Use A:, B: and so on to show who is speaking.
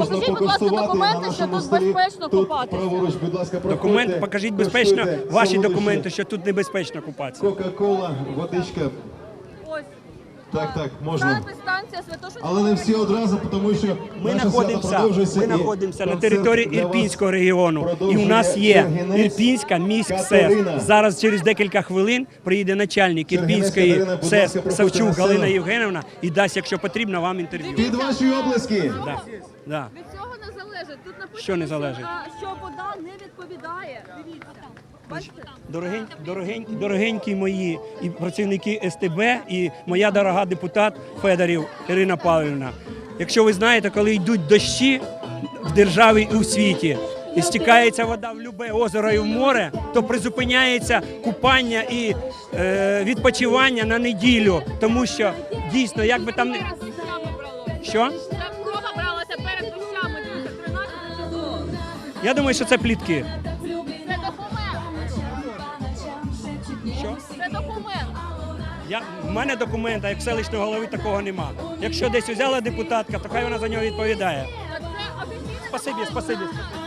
A: можна
B: Покажіть, будь ласка,
A: покуштувати на
B: документи, що
A: нашому
B: тут
A: столі.
B: безпечно
A: Тут
B: купатися.
A: праворуч, будь ласка, проходьте.
C: Документ, покажіть безпечно,
A: Куштуйте
C: ваші
A: солодощі.
C: документи, що тут небезпечно купатися.
A: Кока-кола, водичка.
B: Ось.
A: Так, можна.
B: Станція Святошинського.
A: Але не всі одразу, тому що
C: Ми
A: наше свято продовжується.
C: знаходимося
A: і
C: на
A: концерт
C: території
A: для вас
C: Ірпінського регіону. І у
A: продовжує
C: нас є
A: Чергінець
C: Ірпінська міськсес.
A: Катерина.
C: Зараз через декілька хвилин приїде начальник
A: Чергінець
C: Ірпінської
A: Катерина, будь
C: СЕС
A: ласка, проходьте
C: Савчук
A: на сцену.
C: Галина Євгенівна і дасть, якщо потрібно, вам інтерв'ю.
A: Під ваші облески.
C: Да.
B: Від цього не залежить. Тут написано,
C: Що не залежить?
B: що вода не відповідає. Дивіться. Бачите?
C: Дорогенькі мої і працівники СТБ, і моя дорога депутат Федорів Ірина Павлівна. Якщо ви знаєте, коли йдуть дощі в державі і у світі, і стікається вода в любе озеро і в море, то призупиняється купання і відпочивання на неділю, тому що дійсно, як би там не... Що?
B: Там крова бралася перед дощами 13 число.
C: Я думаю, що це плітки.
B: Це документ.
C: Що?
B: Це документ.
C: В мене документа, як селищного голови, такого нема. Якщо десь взяла депутатка, то хай вона за нього відповідає.
B: Це офіційне
C: Спасибі.